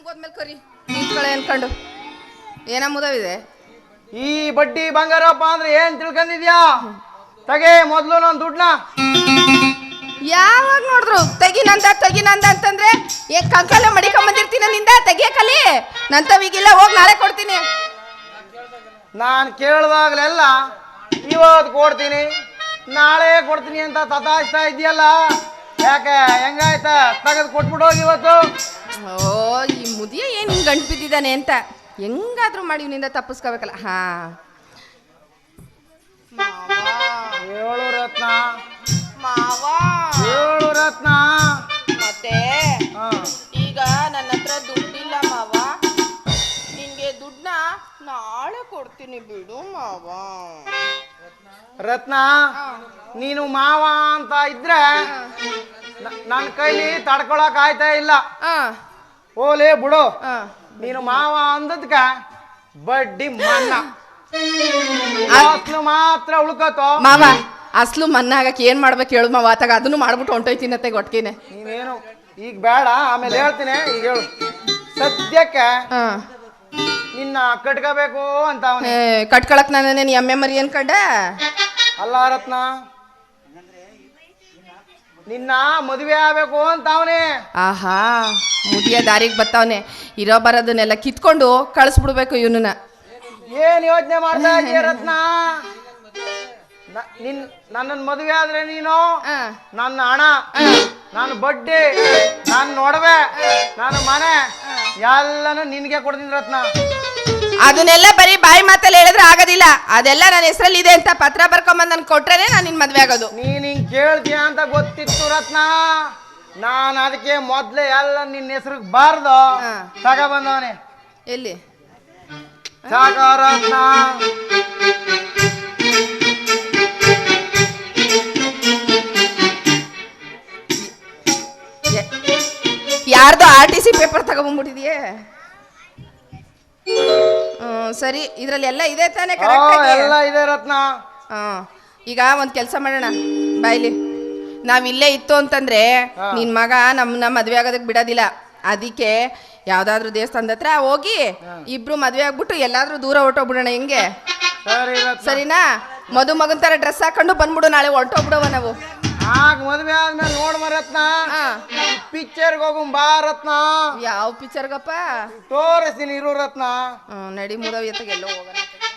ಹೋದ್ಮೇಲೆ ಕರಿ ನಿಂತ್ಕೊಳ್ಳೆ ಅನ್ಕೊಂಡು ಏನ ಮುದವಿದೆ. ಈ ಬಡ್ಡಿ ಬಂಗಾರಪ್ಪ ಅಂದ್ರೆ ಏನ್ ತಿಳ್ಕೊಂಡಿದ್ಯಾ? ತಗೆ ಮೊದ್ಲು ನಾನು ದುಡ್ಡನ್ನ. ಯಾವಾಗ ನೋಡಿದ್ರು ತೆಗಿನಂದ ಅಂತಂದ್ರೆ ಕಂಕಲ್ಲ ಮಡಿಕೊಂಬಂದಿರ್ತೀನಿ ನಿಂದ ತೆಗಿಯಕಲಿ ನಂತವಿಗಿಲ್ಲ ಹೋಗಿ ನಾಳೆ ಕೊಡ್ತೀನಿ. ನಾನು ಕೇಳಿದಾಗಲೆಲ್ಲ ಇವತ್ತು ಕೊಡ್ತೀನಿ ನಾಳೆ ಕೊಡ್ತೀನಿ ಅಂತ ತತಾಯಿಸ್ತಾ ಇದೆಯಲ್ಲ, ಯಾಕೆ ಹೆಂಗಾಯ್ತ? ತೆಗೆದು ಕೊಟ್ಬಿಟ್ಟು ಹೋಗಿ ಇವತ್ತು. ಓ ಈ ಮುದಿಯ ಏನು ಹಿಂಗೆ ಗಂಟು ಬಿದ್ದಿದ್ದಾನೆ ಅಂತ ಹೆಂಗಾದ್ರೂ ಮಾಡಿ ಇವನಿಂದ ತಪ್ಪಿಸ್ಕೋಬೇಕಲ್ಲ. ಹಾ ಏಳು ರತ್ನ ಮಾವ ಏಳು ರತ್ನ. ಮತ್ತೆ ಈಗ ನನ್ನ ಹತ್ರ ದುಡ್ಡಿಲ್ಲ ಮಾವ, ನಿನ್ಗೆ ದುಡ್ಡನ್ನ ನಾಳೆ ಕೊಡ್ತೀನಿ ಬಿಡು ಮಾವ. ರತ್ನ ನೀನು ಮಾವ ಅಂತ ಇದ್ರೆ ನನ್ನ ಕೈಲಿ ತಡ್ಕೊಳಕ್ ಆಯ್ತಾ ಇಲ್ಲ. ಓಲೇ ಬಿಡು, ನೀನು ಮಾವ ಅಂದದ್ಕ ಬಡ್ಡಿ ಮನ್ನ ಅಸ್ಲು ಮಾತ್ರ ಉಳ್ಕೋತೋ. ಮಾವ ಅಸ್ಲು ಮನ್ನ ಆಗಕ್ಕೆ ಏನ್ ಮಾಡ್ಬೇಕು ಹೇಳು ಮಾವ, ಆತಾಗ ಅದನ್ನು ಮಾಡ್ಬಿಟ್ಟು ಹೊಂಟೋಯ್ತೀನತ್ತೆ ಒಟ್ಟಿಗೆನೆ. ನೀನೇನು ಈಗ ಬೇಡ, ಆಮೇಲೆ ಹೇಳ್ತೀನಿ. ಈಗ ಹೇಳು ಸದ್ಯಕ್ಕೆ ನಿನ್ನ ಕಟ್ಕೋಬೇಕು ಅಂತ ಅವನೇ. ಕಟ್ಕೊಳಕ್ ನಾನೇನು ಎಮ್ಮೆ ಮರಿ ಅನ್ಕಂಡ ಅಲ್ಲ ರತ್ನ, ನಿನ್ನ ಮದುವೆ ಆಗ್ಬೇಕು ಅಂತ ಅವನೇ. ಆಹಾ ಮುದಿಯ ದಾರಿಗೆ ಬತ್ತವನೆ, ಇರೋ ಬರೋದನ್ನೆಲ್ಲ ಕಿತ್ಕೊಂಡು ಕಳಿಸ್ಬಿಡ್ಬೇಕು ಇವನನ್ನ. ಏನ್ ಯೋಚನೆ ಮಾಡ್ತಾ ಇದೀಯ ರತ್ನ? ನನ್ನನ್ ಮದುವೆ ಆದ್ರೆ ನೀನು ನನ್ನ ಹಣ, ನಾನು ಬಡ್ಡಿ, ನಾನು ನೋಡವೆ, ನಾನು ಮನೆ ಎಲ್ಲಾನು ನಿನ್ಗೆ ಕೊಡ್ತೀನಿ ರತ್ನ. ಅದನ್ನೆಲ್ಲ ಬರೀ ಬಾಯಿ ಮಾತಲ್ಲಿ ಹೇಳಿದ್ರೆ ಆಗೋದಿಲ್ಲ, ಅದೆಲ್ಲ ನನ್ನ ಹೆಸರಲ್ಲಿ ಇದೆ ಅಂತ ಪತ್ರ ಬರ್ಕೊಂಬಂದ್ ನನ್ ಕೊಟ್ರೇನೆ ನಾನು ನಿನ್ ಮದ್ವೆ ಆಗೋದು. ನೀನ್ ಹಿಂಗ್ ಕೇಳ್ತೀಯ ಅಂತ ಗೊತ್ತಿತ್ತು ರತ್ನ, ನಾನು ಅದಕ್ಕೆ ಮೊದ್ಲೇ ಎಲ್ಲ ನಿನ್ನ ಹೆಸರಿಗೆ ಬಾರ್ದು ತಗ ಬಂದವನೇ. ಎಲ್ಲಿ ಸಾಕ ರತ್ನ. ಯಾರ್ದು RTC ಪೇಪರ್ ತಗೊಂಡ್ಬಿಟ್ಟಿದೆಯೇ? ಸರಿ, ಇದ್ರಲ್ಲಿ ಎಲ್ಲ ಇದೆ ತಾನೇ? ಎಲ್ಲ ಇದೆ ರತ್ನ. ಈಗ ಒಂದ್ ಕೆಲಸ ಮಾಡೋಣ ಬಾಯ್ಲಿ, ನಾವಿಲ್ಲೇ ಇತ್ತು ಅಂತಂದ್ರೆ ನಿನ್ ಮಗ ನಮ್ಮನ್ನ ಮದ್ವೆ ಆಗೋದಕ್ಕೆ ಬಿಡೋದಿಲ್ಲ. ಅದಕ್ಕೆ ಯಾವ್ದಾದ್ರು ದೇವಸ್ಥಾನದ ಹತ್ರ ಹೋಗಿ ಇಬ್ರು ಮದ್ವೆ ಆಗ್ಬಿಟ್ಟು ಎಲ್ಲಾದ್ರೂ ದೂರ ಹೊರಟೋಗ್ಬಿಡೋಣ. ಹೆಂಗೆ ಸರಿನಾ? ಮಗನ್ ತರ ಡ್ರೆಸ್ ಹಾಕೊಂಡು ಬಂದ್ಬಿಡು, ನಾಳೆ ಹೊರಟೋಗ್ಬಿಡವ ನಾವು. ಆಗ ಮದ್ವೆ ಆದ್ಮೇಲೆ ನೋಡ್ಮ ರತ್ನ, ಪಿಕ್ಚರ್ಗೆ ಹೋಗು ಬಾ ರತ್ನ. ಯಾವ ಪಿಕ್ಚರ್ಗಪ್ಪ? ತೋರಿಸ್ತೀನಿ ಇರು ರತ್ನ. ನಡಿ ಮುದವಿ ಎತ್ತಗೆ ಎಲ್ಲೋ ಹೋಗೋಣ.